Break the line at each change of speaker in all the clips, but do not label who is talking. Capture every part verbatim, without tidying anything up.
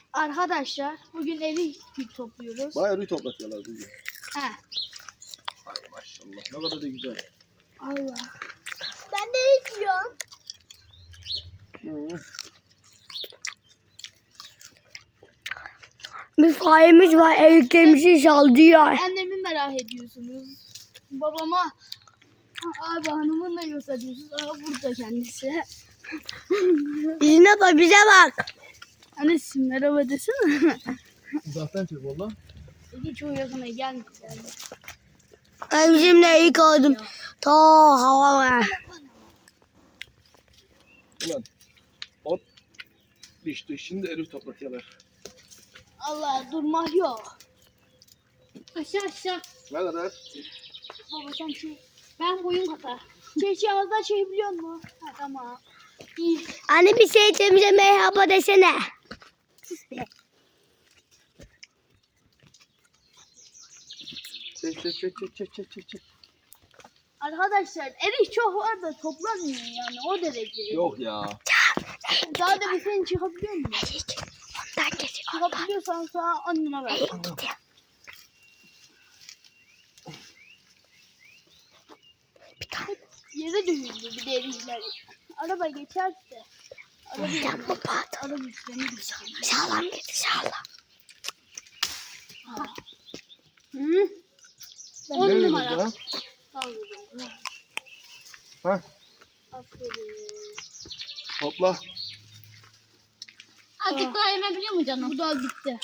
Arkadaşlar bugün erik topluyoruz.
Bayağı erik toplatıyorlar bugün.
He.
Ay maşallah ne kadar da güzel.
Allah. Ben de erik yiyorum.
Hı.
Bir fayemiz var, eriklerimizi sallıyor.
Annemi merak ediyorsunuz. Babama abi hanımın da yoksa diyorsunuz. Aa, burada kendisi.
Yüzüne bak, bize bak.
Annesi merhaba desene.
Uzaktan çek valla.
Hiç çok yakına gelmedi.
Ben bizimle erik aldım. Ta hava var.
Ulan ot düştü şimdi erik toplatıyorlar.
Allah durmak yok. Aşağı aşağı.
Ne kadar?
Baba sen şey. Ben boyum kadar. Çeşi ağızdan şey biliyor musun? Ha tamam. İyi.
Anne bir şey temize merhaba desene.
Çek çek çek çek çek çek çek çek.
Arkadaşlar erik çok var da toplanmıyor yani o derece.
Yok ya.
Daha da bir sen çıkabiliyor musun?
Erik. Ondan geçiyor.
Çıkabiliyorsan sana anneme ver.
Erik gidiyor.
Yere dövüldü bir de erikler. Araba geçerse. Araba
Sen bu pat.
araba üstlerini düşer.
Sağlam git, sağlam.
Hı? On
Ne
numara.
ya?
Sağlıyorum.
Ha
Aferin.
topla.
Azıcık daha yemebiliyor mu canım?
Bu da bitti.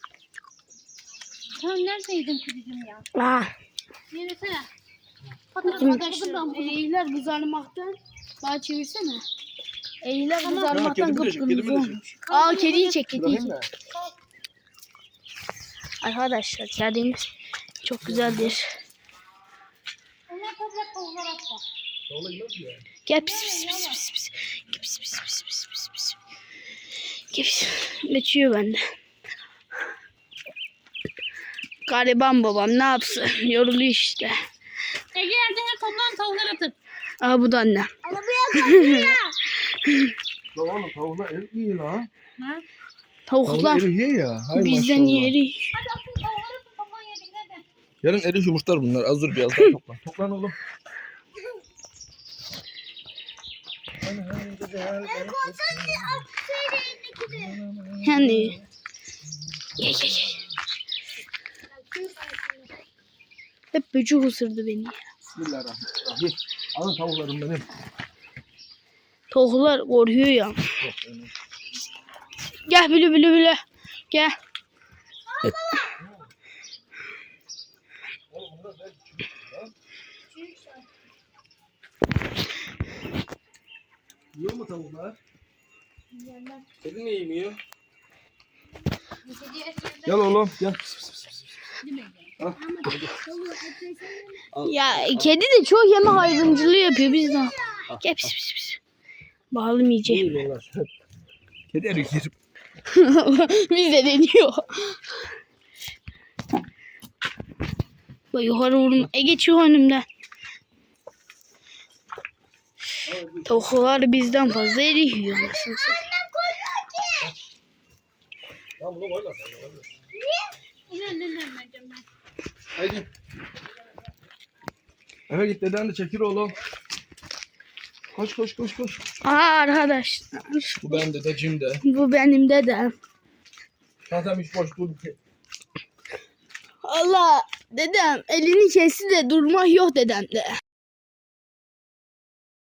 Sen neredeydin kuzucuğum ya?
Ah.
Yürüsene.
Arkadaşlar.
Erikler kızarmaktan. Bana çevirsene. Erikler
Ha,
kızarmaktan
kedi mi de çek, kedi mi de
kıpkırmızı
çek.
olmuş. Aa kediyi çek kediyi
Bırakayım
çek.
mı?
Arkadaşlar kedimiz çok güzeldir.
Onlar toprak tavuklar atla.
Tavla yemez ya.
Gel pis pis pis pis pis. Gel pis pis pis pis pis pis. Gel pis. Geçiyor bende. Gariban babam ne yapsın? Yoruluyor işte.
Ege yerde her toplan tavuklar atıp.
Aa bu da annem.
Ya oğlum tavuklar erik yiyor la.
Ha?
Tavuklar
Tavuklar erik yiyor ya. Hay
bizden
maşallah.
yeri.
Hadi atın tavuklar atın toplan yedik nerede?
Yarın erik yumurtlar bunlar. Az dur biraz daha topla. Toplan oğlum.
Yani. Ye ye ye. Hep böcek ısırdı beni.
Bismillahirrahmanirrahim. Alın tavuklarım benim.
Tavuklar korkuyor ya.
Yok, öyle.
Gel bülü bülü bülü. Gel.
Yiyor mu tavuklar? Kedi mi yemiyor? Gel oğlum gel. Pis, pis, pis, pis. Al.
Ya kedi de çok yeme ayrımcılığı yapıyor bizden. Gel pis pis pis. Bağlamayacağım.
Yiyorlar. Kedi erik yer.
Biz de deniyor. Bak yukarı vurma. E geçiyor önümden. Tavuklar bizden fazla erik yiyor. Nasıl?
Lan bunu koyma sen.
İnan ne vermeyeceğim ben.
Haydi. Eve git deden de çekir oğlum. Koş koş koş koş.
Aa arkadaşlar.
Bu ben dedeciğim de.
Bu benim dedem.
Zaten hiç boş dur.
Allah dedem elini kesti de durmak yok dedemde.